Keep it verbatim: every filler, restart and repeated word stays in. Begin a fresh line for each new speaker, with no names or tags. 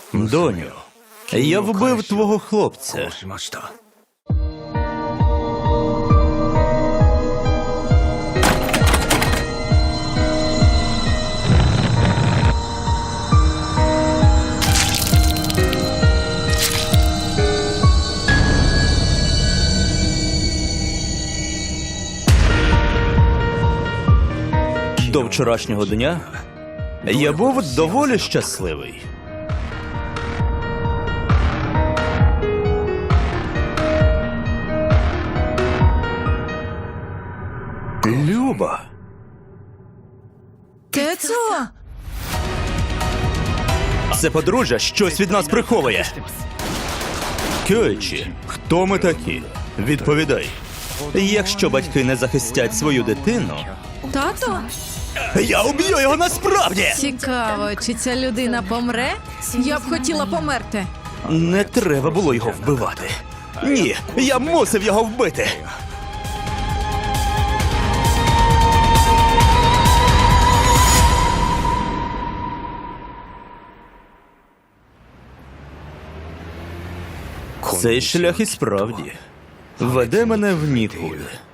Доню, я вбив твого хлопця. До вчорашнього дня я був доволі щасливий. Люба.
Тецо?
Це подружжя щось від нас приховує. Кьойчі, хто ми такі? Відповідай. Якщо батьки не захистять свою дитину,
Тато?
я уб'ю його насправді!
Цікаво, чи ця людина помре? Я б хотіла померти.
Не треба було його вбивати. Ні, я мусив його вбити. Цей шлях і справді веде мене в нікуди.